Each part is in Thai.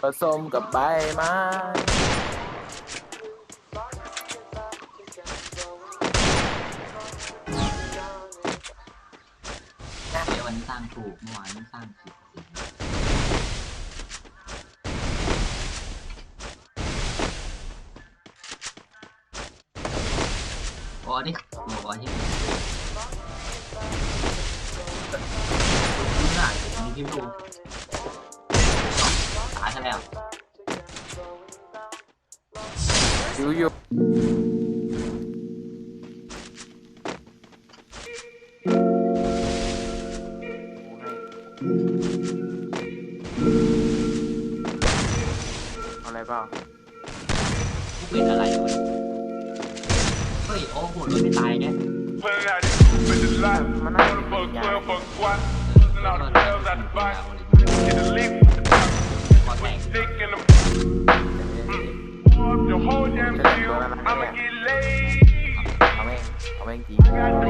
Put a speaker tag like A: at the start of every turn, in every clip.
A: สมกับใบไม้
B: เดี๋ยววันนี้สร้างถูกเมื่อวานนี้สร้างผิดโอ้ดิโอ้ที่ดูหน่อยมีพิมพ์ดูตายซะแล้ว
A: อยู่อะไรเปล่า
B: เป็นอะไรวะเฮ้ยโอ้โหรถไม่ตายไง
A: มันน่าจะเป็นยา
B: พอแต่ง
A: เอาแม่งจริ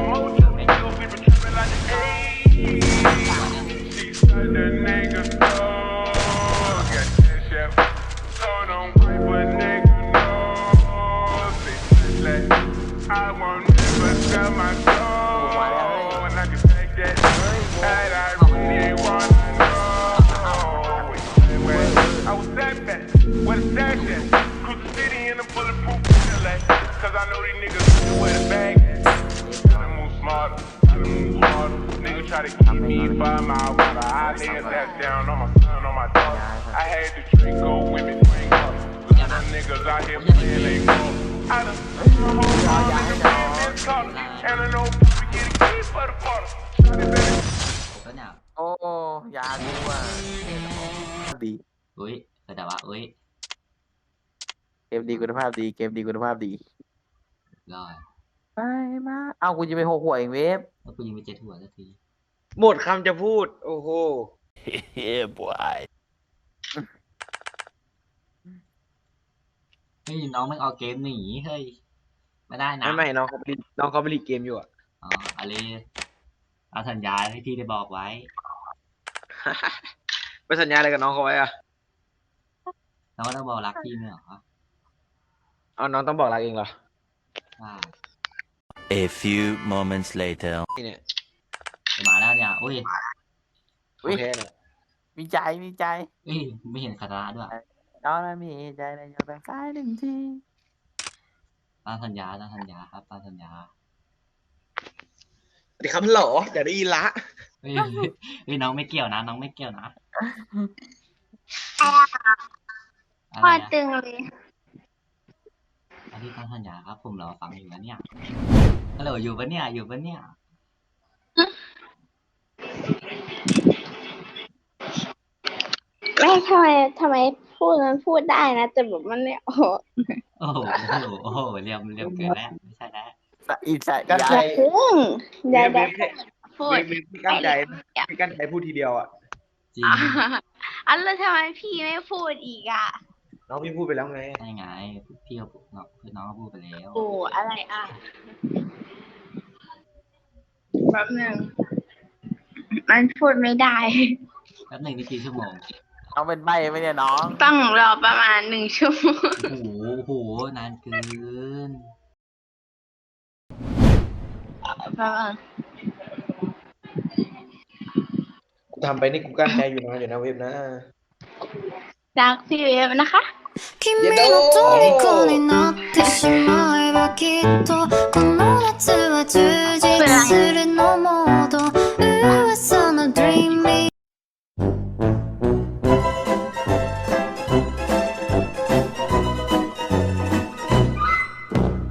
C: Try to keep me 5 miles water. I lay that down on my son, on my dog. I had the Draco women drink up. Some niggas out here playing they ball. I done the whole time nigga playing this color. And I know we get a key for the bottle.
A: โอ้ยาดีว่ะดี
B: อุ้ยแต่ว่าอุ้ย
A: เกมดีคุณภาพดีเกมดีคุณภาพดี
B: รอด
A: ไปมาเอากูจะไป6 หัวเองเวฟ
B: แล้วกูยิงไป7 หัวสักที
D: หมดคำจะพูดโอ้โห
A: เฮ้ยบอย
B: เฮ้ยน้องไม่เอาเกมหนีเฮ้ยไม่ได้นะ
D: ไม่น้องเขาผลิตเกมอยู่อ่ะ
B: อ๋ออะไรเอาสัญญาให้พี่ได้บอกไว้
D: ไปสัญญาอะไรกับน้องเขาไว้อ่ะ
B: น้องก็ต้องบอกรักพี่ไม่เหรอ
D: เอาน้องต้องบอกรักเองเหรอ
E: A few moments later
D: นี่เนี่ย
B: มาแล้วเนี่ยอุ้ย
D: โอเคเนี่ย
A: มีใจ
B: ไม่เห็นคาราด้วย
A: ตอนนั้นมีใจในยอดแบ่งกาย1 ที
B: ตามสัญญาครับตามสัญญา
D: สวัสดีครับหล่ออย่าได้ยินละ
B: เฮ้ยน้องไม่เกี่ยวนะน้องไม่เกี่ยวนะ
F: พอตึงเลย
B: อันที่ตามสัญญาครับผมรอฟังอยู่นะเนี่ยฮัลโหลอยู่ปะเนี่ย
F: ไม่ทำไมพูดมันพูดได้นะแต่แบบมันไม่ออก
B: โอ้โหเรียมเกินแล้วไม่ใช่แล้ว
A: อีกใช่
D: กั้นใจ
F: อย่า
D: พูดพี่กั้นใจพูดทีเดียวอ่ะ
B: จริง
F: แล้วทำไมพี่ไม่พูดอีกอ่ะ
D: น้องพี่พูดไปแล้วไง
B: ใช่ไงพี่น้องพูดไปแล้ว
F: โอ้อะไรอ่ะแป๊บนึงมันพูดไม่ได้
B: แป๊บนึงนี่กี่ชั่วโมง
A: เอาเป็นใบไหมเนี่ยน้อง
F: ต้องรอประมาณ1 ชั่วโมง
B: โอ้โหนานเกิน
D: ทำไปนี่กูกั้นใจอยู่นะเว็บนะ
F: รักพี่เว็บนะคะ
E: 君の虜になってしまえばきっとこの夏は充